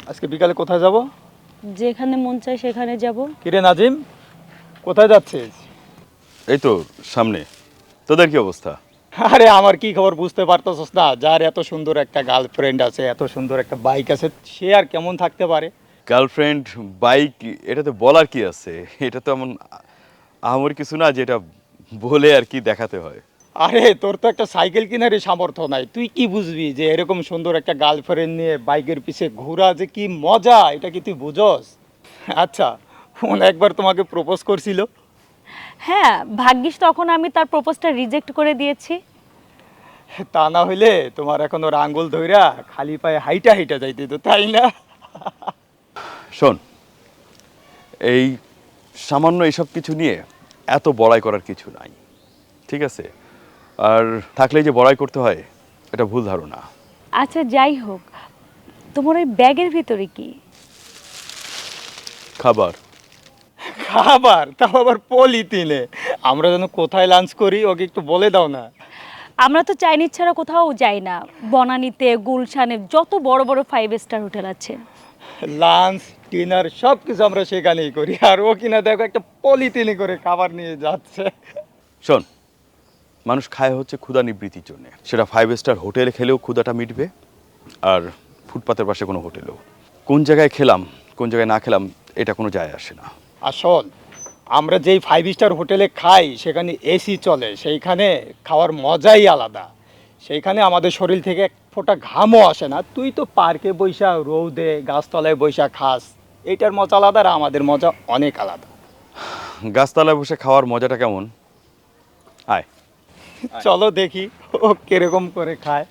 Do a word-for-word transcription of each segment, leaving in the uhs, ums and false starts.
আজকে বিকালে কোথায় যাব? যেখানে মন চায় সেখানে যাব। কিরে নাজিম, কোথায় যাচ্ছিস? এই তো সামনে। তোদের কি অবস্থা? আরে আমার কি খবর বুঝতে পারতেছস না? যার এত সুন্দর একটা গার্লফ্রেন্ড আছে, এত সুন্দর একটা বাইক আছে, সে আর কেমন থাকতে পারে? গার্লফ্রেন্ড, বাইক, এটাতে বলার কি আছে? এটা তো এমন আহামরি কিছু না যেটা বলে আর কি দেখাতে হয়। আরে তোর তো একটা সাইকেল কেনারই সামর্থ্য নাই, তুই কি বুঝবি যে এরকম সুন্দর একটা গার্লফ্রেন্ড নিয়ে বাইকের পিছে ঘোরা যে কি মজা, এটা কি তুই বুঝস? আচ্ছা, ফোন একবার তোমাকে প্রপোজ করছিল? হ্যাঁ, ভাগ্যিস তখন আমি তার প্রপোজটা রিজেক্ট করে দিয়েছি। তা না হইলে তোমার এখন ওর আঙ্গুল ধইরা খালি পায়ে হাইটা হাইটা যাইতে তো, তাই না? শোন, এই সামান্য এইসব কিছু নিয়ে এত বড়াই করার কিছু নাই, ঠিক আছে? আর থাকলেই যে বড়াই করতে হয়, এটা ভুল ধারণা। আচ্ছা যাই হোক, তোমার ওই ব্যাগের ভিতরে কি? খাবার। খাবার, তাও আবার পলিথিনে? আমরা যেন কোথায় লাঞ্চ করি ওকে একটু বলে দাও না। আমরা তো চাইনিজ ছাড়া কোথাও যাই না। বনানীতে, গুলশানে যত বড় বড় ফাইভ স্টার হোটেল আছে। লাঞ্চ, ডিনার সব কিছু আমরা সেখানেই করি, আর ও কিনা দেখো একটা পলিথিনে করে খাবার নিয়ে যাচ্ছে। শোন, মানুষ খায় হচ্ছে ক্ষুধা নিবৃত্তির জন্য। সেটা ফাইভ স্টার হোটেলে খেলেও ক্ষুধাটা মিটবে, আর ফুটপাতের পাশে কোনো হোটেলেও। কোন জায়গায় খেলাম, কোন জায়গায় না খেলাম, এটা কোনো যায় আসে না। আসল আমরা যেই ফাইভ স্টার হোটেলে খাই সেখানে এসি চলে, সেইখানে খাওয়ার মজাই আলাদা। সেইখানে আমাদের শরীর থেকে এক ফোঁটা ঘামও আসে না। তুই তো পার্কে বৈশা রৌদে গাছতলায় বৈশা খাস, এইটার মজা আলাদা, আর আমাদের মজা অনেক আলাদা। গাছতলায় বসে খাওয়ার মজাটা কেমন? আয়। চলো দেখি ও কিরকম করে খায়।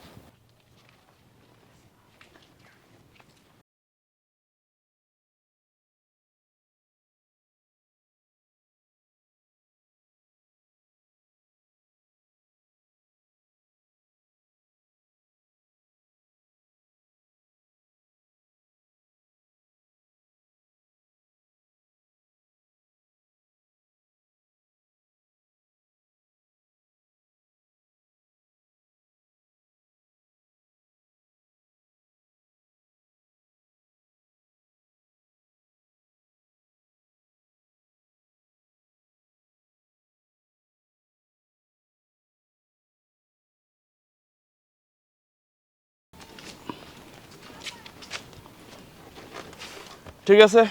ঠিক আছে।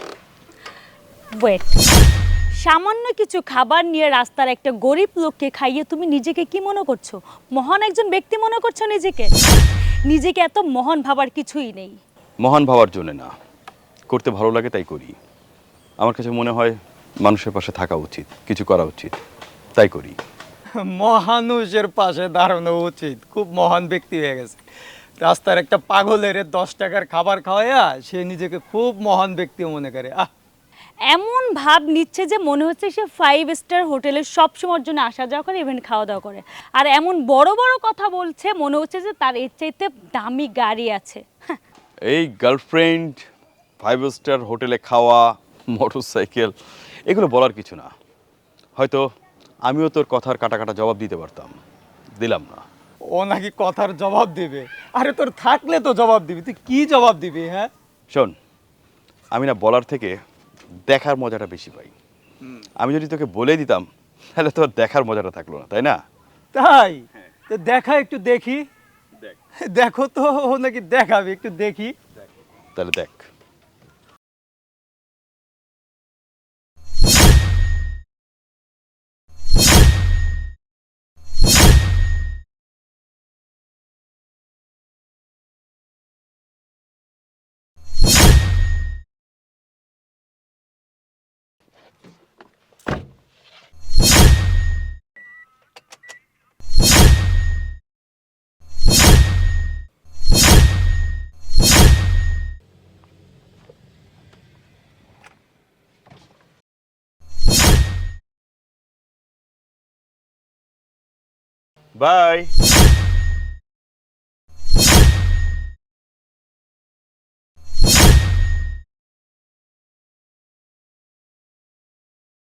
ওয়েট, সামান্য কিছু খাবার নিয়ে রাস্তার একটা গরিব লোককে খাইয়ে তুমি নিজেকে কি মনে করছো? মহান একজন ব্যক্তি মনে করছো নিজেকে? নিজেকে এত মহান ভাবার কিছুই নেই। মহান ভাবার জন্য না, করতে ভালো লাগে তাই করি। আমার কাছে মনে হয় মানুষের পাশে থাকা উচিত, কিছু করা উচিত, তাই করি। মহানুষের পাশে দাঁড়ানো উচিত, খুব মহান ব্যক্তি হয়ে গেছে। রাস্তার একটা পাগলের দশ টাকার খাবার খাওয়াইয়া সে নিজেকে খুব মহান ব্যক্তি মনে করে। আহ, এমন ভাব নিচ্ছে যে মনে হচ্ছে সে ফাইভ স্টার হোটেলে সব সময়ের জন্য আসা যাওয়া করে, ইভেন খাওয়া দাওয়া করে। আর এমন বড় বড় কথা বলছে মনে হচ্ছে যে তার এর চাইতে দামি গাড়ি আছে। হ্যাঁ, এই গার্লফ্রেন্ড, ফাইভ স্টার হোটেলে খাওয়া, মোটর সাইকেল, এগুলো বলার কিছু না। হয়তো আমিও তোর কথার কাটা কাটা জবাব দিতে পারতাম, দিলাম না। ও নাকি কথার জবাব দিবে? আরে তোর থাকলে তো জবাব দিবি, তুই কি জবাব দিবি? হ্যাঁ, শোন, আমি না বলার থেকে দেখার মজাটা বেশি পাই। আমি যদি তোকে বলে দিতাম তাহলে তোর দেখার মজাটা থাকলো না, তাই না? তাই তো দেখা, একটু দেখি। দেখো তো, ও নাকি দেখাবে, একটু দেখি। তাহলে দেখ। বাই।